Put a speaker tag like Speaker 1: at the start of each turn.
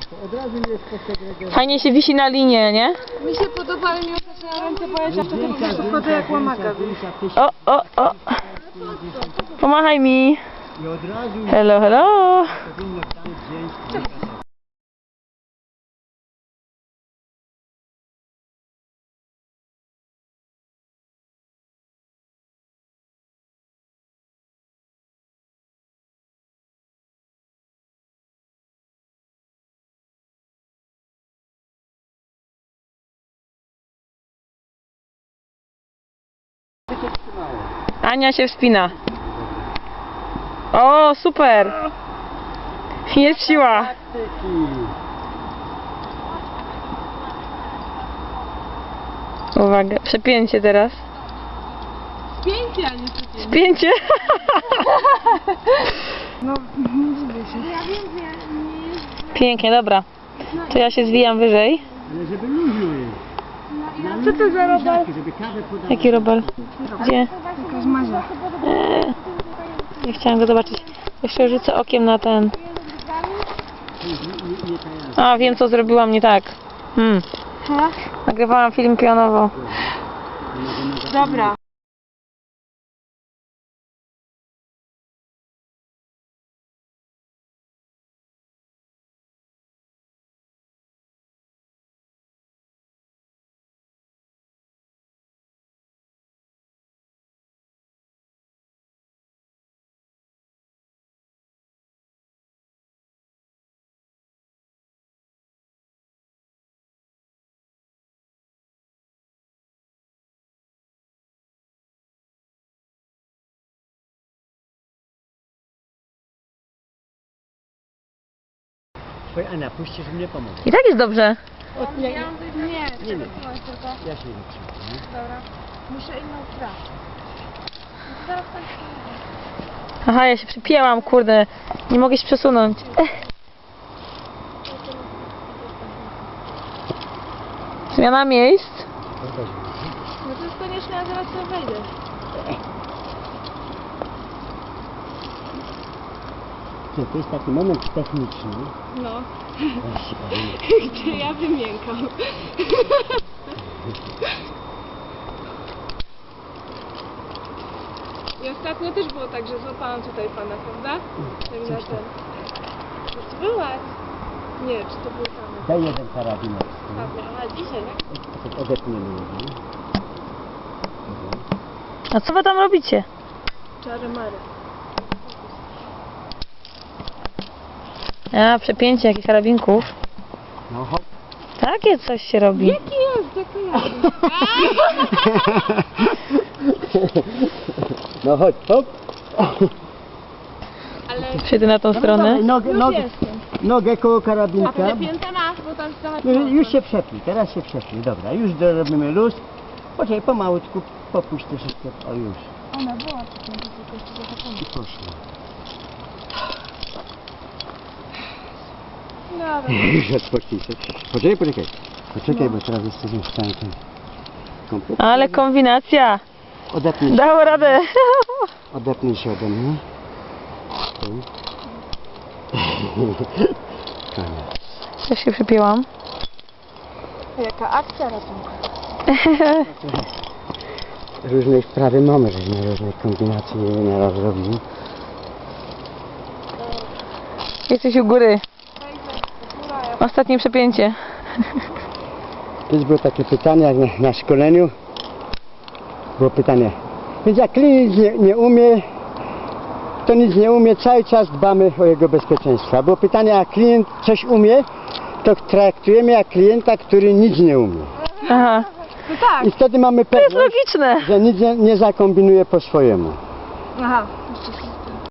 Speaker 1: Od razu mi jest posegregowane.
Speaker 2: Fajnie się wisi na linie, nie?
Speaker 3: Mi się podoba, ale mi ostatnio ręce boleć, a wtedy po prostu chodzę jak łamaka.
Speaker 2: O. Pomachaj mi.
Speaker 1: I od razu
Speaker 2: Hello, hello.
Speaker 1: powinno tam wziąć kilka.
Speaker 2: Ania się wspina. O, super. Jest siła. Uwaga, przepięcie teraz.
Speaker 3: Spięcie, a nie spięcie.
Speaker 2: Spięcie.
Speaker 3: No, nie dziwię się. Ja wiem, że nie...
Speaker 2: Pięknie, dobra. To ja się zwijam wyżej.
Speaker 1: Ale żeby luźno jest.
Speaker 3: Co to za robal?
Speaker 1: Żeby kawę podać.
Speaker 2: Jaki robal? Gdzie?
Speaker 3: Jakaś mazia.
Speaker 2: Nie chciałam go zobaczyć. Jeszcze rzucę okiem na ten. A, wiem co zrobiłam nie tak. Nagrywałam film pionowo.
Speaker 3: Dobra.
Speaker 1: Oj, Ania, puśćcie, żeby mnie pomóc.
Speaker 2: I tak jest dobrze.
Speaker 3: Nie,
Speaker 1: Nie.
Speaker 3: tylko.
Speaker 1: Ja się nie przyjmę.
Speaker 3: Dobra. Muszę inną grę. Zaraz tak.
Speaker 2: Aha, ja się przypięłam, kurde. Nie mogę się przesunąć. Zmiana miejsc.
Speaker 3: No to jest konieczne, ja zaraz sobie wejdę.
Speaker 1: To jest taki moment techniczny.
Speaker 3: No.
Speaker 1: Weź się powiem.
Speaker 3: Gdzie ja wymiękam. I ostatnio też było tak, że złapałam tutaj pana, prawda? Tak na ten. To ty byłaś? Nie, czy to był tam?
Speaker 1: Daj jeden karabinek.
Speaker 3: A dzisiaj, tak?
Speaker 1: Tak odetniemy jeden.
Speaker 2: A co wy tam robicie?
Speaker 3: Czary mary.
Speaker 2: A, przepięcie jakichś karabinków.
Speaker 1: No hop.
Speaker 2: Takie coś się robi.
Speaker 3: Jaki jest? Jaki jest?
Speaker 1: No chodź, hop.
Speaker 3: Ale
Speaker 2: Przejdę na tą stronę.
Speaker 1: Nogę,
Speaker 3: już
Speaker 1: nogę,
Speaker 3: jestem.
Speaker 1: nogę koło
Speaker 3: A
Speaker 1: karabinka.
Speaker 3: te pięta masz, bo tam trochę...
Speaker 1: No, już się przepnij, teraz się przepnij. Dobra, już robimy luz. Poczekaj, pomalutku, popuść troszeczkę. O już.
Speaker 3: Ona była przypięta, tylko jeszcze zahaczona.
Speaker 1: I poszło.
Speaker 3: Dobra.
Speaker 1: Już odpocznij się. Poczekaj. Poczekaj, bo teraz jesteśmy w stanie ten komplet.
Speaker 2: Ale kombinacja.
Speaker 1: Odepnij się.
Speaker 2: Dało radę.
Speaker 1: Odepnij się ode mnie. Tu. Koniec.
Speaker 2: Też się przypięłam.
Speaker 3: Jaka akcja ratunku.
Speaker 1: Różnej wprawy mamy, żeśmy różnych kombinacji nieraz robili.
Speaker 2: Jesteś u góry. Ostatnie przepięcie.
Speaker 1: Kiedyś było takie pytanie, jak na szkoleniu. Było pytanie. Więc jak klient nie umie, to nic nie umie, cały czas dbamy o jego bezpieczeństwo. Było pytanie, jak klient coś umie, to traktujemy jak klienta, który nic nie umie.
Speaker 2: Aha.
Speaker 3: No tak.
Speaker 1: I wtedy mamy
Speaker 2: To jest
Speaker 1: pewność,
Speaker 2: logiczne.
Speaker 1: że nic nie zakombinuje po swojemu.
Speaker 3: Aha.